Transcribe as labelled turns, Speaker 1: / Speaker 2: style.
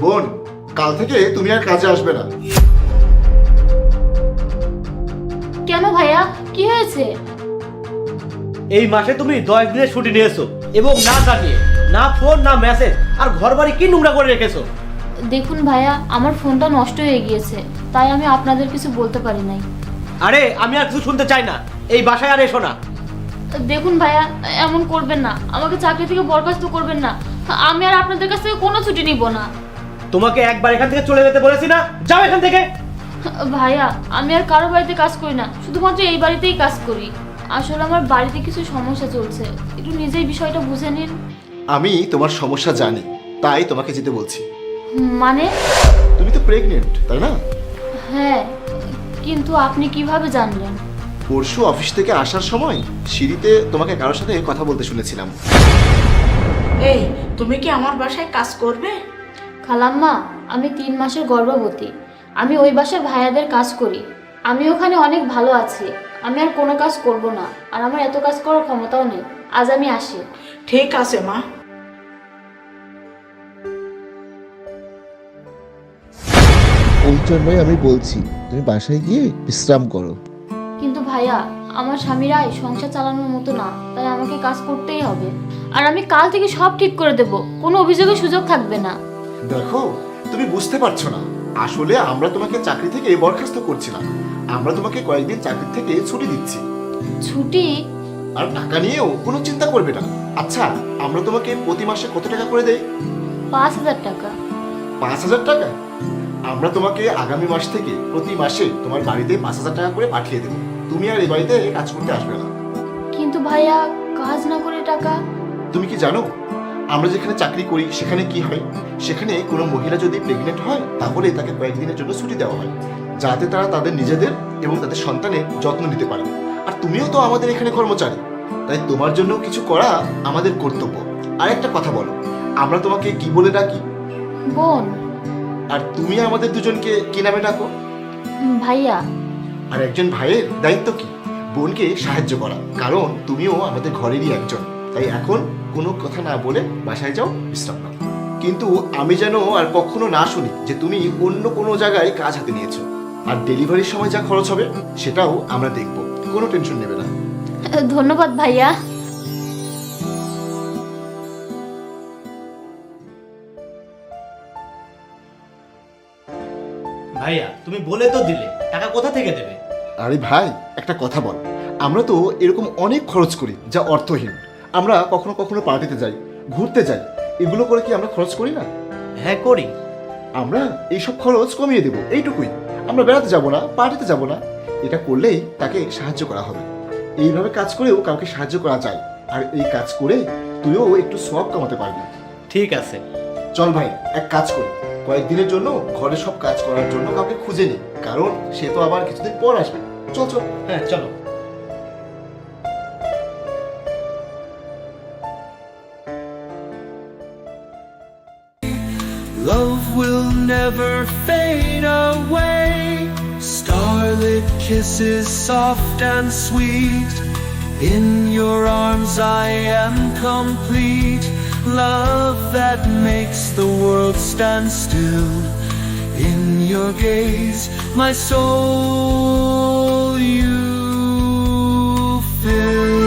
Speaker 1: বোন, কাল থেকে তুমি আর কাজে আসবে না।
Speaker 2: কেন ভাইয়া, কি হয়েছে?
Speaker 3: এই মাসে তুমি 10 দিনের ছুটি নিয়েছো এবং না জানিয়ে, না ফোন না মেসেজ, আর ঘর বাড়ি কি নোংরা করে রেখেছো।
Speaker 2: দেখুন ভাইয়া, আমার ফোনটা নষ্ট হয়ে গিয়েছে, তাই আমি আপনাদের কিছু বলতে পারি নাই।
Speaker 3: আরে আমি আর কিছু শুনতে চাই না, এই বাসায় আর এসো না।
Speaker 2: দেখুন ভাইয়া, এমন করবেন না, আমাকে চাকরি থেকে বরখাস্ত করবেন না। আমি আর আপনাদের কাছ থেকে কোনো ছুটি নিব না।
Speaker 3: তোমাকে একবার এখান থেকে চলে যেতে বলেছি না, যাও এখান থেকে।
Speaker 2: ভাইয়া, আমি আর কারো বাড়িতে কাজ করি না, শুধুমাত্র এই বাড়িতেই কাজ করি। আসলে আমার বাড়িতে কিছু সমস্যা চলছে, একটু নিজেই বিষয়টা বুঝে নিন।
Speaker 1: আমি তোমার সমস্যা জানি, তাই তোমাকে যেতে বলছি।
Speaker 2: মানে?
Speaker 1: তুমি তো প্রেগনেন্ট, তাই না?
Speaker 2: হ্যাঁ, কিন্তু আপনি কিভাবে জানলেন?
Speaker 1: পরশু অফিস থেকে আসার সময় সিঁড়িতে তোমাকে কারোর সাথে কথা বলতে শুনেছিলাম।
Speaker 4: এই, তুমি কি আমার বাসায় কাজ করবে?
Speaker 2: খালাম্মা, আমি 3 মাসের গর্ভবতী। আমি ওই বাসার ভাইয়াদের কাজ করি। আমি ওখানে অনেক ভালো আছি। আমি আর কোনো কাজ করব না, আর আমার এত কাজ করার ক্ষমতাও নেই। আজ আমি আসি।
Speaker 4: ঠিক আছে মা।
Speaker 1: ওই জন্যই আমি বলছি তুমি বাসায় গিয়ে বিশ্রাম করো।
Speaker 2: কিন্তু ভাইয়া, আমার স্বামীর আয় সংসার চালানোর মতো না, তাই আমাকে কাজ করতেই হবে। আর আমি কাল থেকে সব ঠিক করে দেব, কোনো অভিযোগের সুযোগ থাকবে না।
Speaker 1: দেখো, তুমি বুঝতে পারছো না, আসলে আমরা তোমাকে চাকরি থেকে বরখাস্ত করছি না, আমরা তোমাকে কয়েকদিন চাকরি থেকে ছুটি দিচ্ছি।
Speaker 2: ছুটি?
Speaker 1: আর টাকা নিয়েও কোনো চিন্তা করবে না। আচ্ছা, আমরা তোমাকে প্রতি মাসে কত টাকা করে দেই?
Speaker 2: 5000 টাকা।
Speaker 1: 5000 টাকা? আমরা তোমাকে আগামী মাস থেকে প্রতি মাসে তোমার বাড়িতে 5000 টাকা করে পাঠিয়ে দেবো। তুমি আর এই বাড়িতে কাজ করতে আসবে না।
Speaker 2: কিন্তু ভাইয়া, কাজ না করে টাকা?
Speaker 1: তুমি কি জানো আমরা যেখানে চাকরি করি সেখানে কি হয়? সেখানে কোনো মহিলা যদি প্রেগনেন্ট হয় তাহলে তাকে কয়েকদিনের জন্য ছুটি দেওয়া হয়, যাতে তারা তাদের নিজেদের এবং তাদের সন্তানের যত্ন নিতে পারে। আর তুমিও তো আমাদের এখানে কর্মচারী, তাই তোমার জন্য কিছু করা আমাদের কর্তব্য। আর একটা কথা বলো, আমরা তোমাকে কি বলে ডাকি?
Speaker 2: বোন।
Speaker 1: আর তুমি আমাদের দুজনকে কি নামে ডাকো?
Speaker 2: ভাইয়া।
Speaker 1: আর একজন ভাইয়ের দায়িত্ব কি? বোনকে সাহায্য করা, কারণ তুমিও আমাদের ঘরেরই একজন। তাই এখন কোনো কথা না বলে বাসায় যাও, বিশ্রাম নাও। কিন্তু আমি যেন আর কখনো না শুনি যে তুমি অন্য কোনো জায়গায় কাজ হাতে নিয়েছো। আর ডেলিভারির সময় যা খরচ হবে সেটাও আমরা দেখব, কোনো টেনশন নেবে না।
Speaker 2: ধন্যবাদ ভাইয়া।
Speaker 3: ভাইয়া, তুমি বলে তো দিলে, টাকা কোথা থেকে দেবে?
Speaker 1: আরে ভাই, একটা কথা বল, আমরা তো এরকম অনেক খরচ করি যা অর্থহীন। আমরা কখনো কখনো পার্টিতে যাই, ঘুরতে যাই, এগুলো করে কি আমরা খরচ করি না?
Speaker 3: হ্যাঁ করি।
Speaker 1: আমরা এইসব খরচ কমিয়ে দেব, এইটুকুই। আমরা বেড়াতে যাব না, পার্টিতে যাব না। এটা করলেই তাকে সাহায্য করা হবে। এইভাবে কাজ করেও কাউকে সাহায্য করা যায়, আর এই কাজ করে তুইও একটু সওয়াব কামাতে পারবি।
Speaker 3: ঠিক আছে।
Speaker 1: চল ভাই, এক কাজ করি, কয়েকদিনের জন্য ঘরে সব কাজ করার জন্য কাউকে খুঁজে নি, কারণ সে তো আবার কিছুদিন পর আসবে। চল চল।
Speaker 3: হ্যাঁ চলো।
Speaker 5: Love will never fade away. Starlit kisses soft and sweet. In your arms I am complete. Love that makes the world stand still. In your gaze, my soul you fill.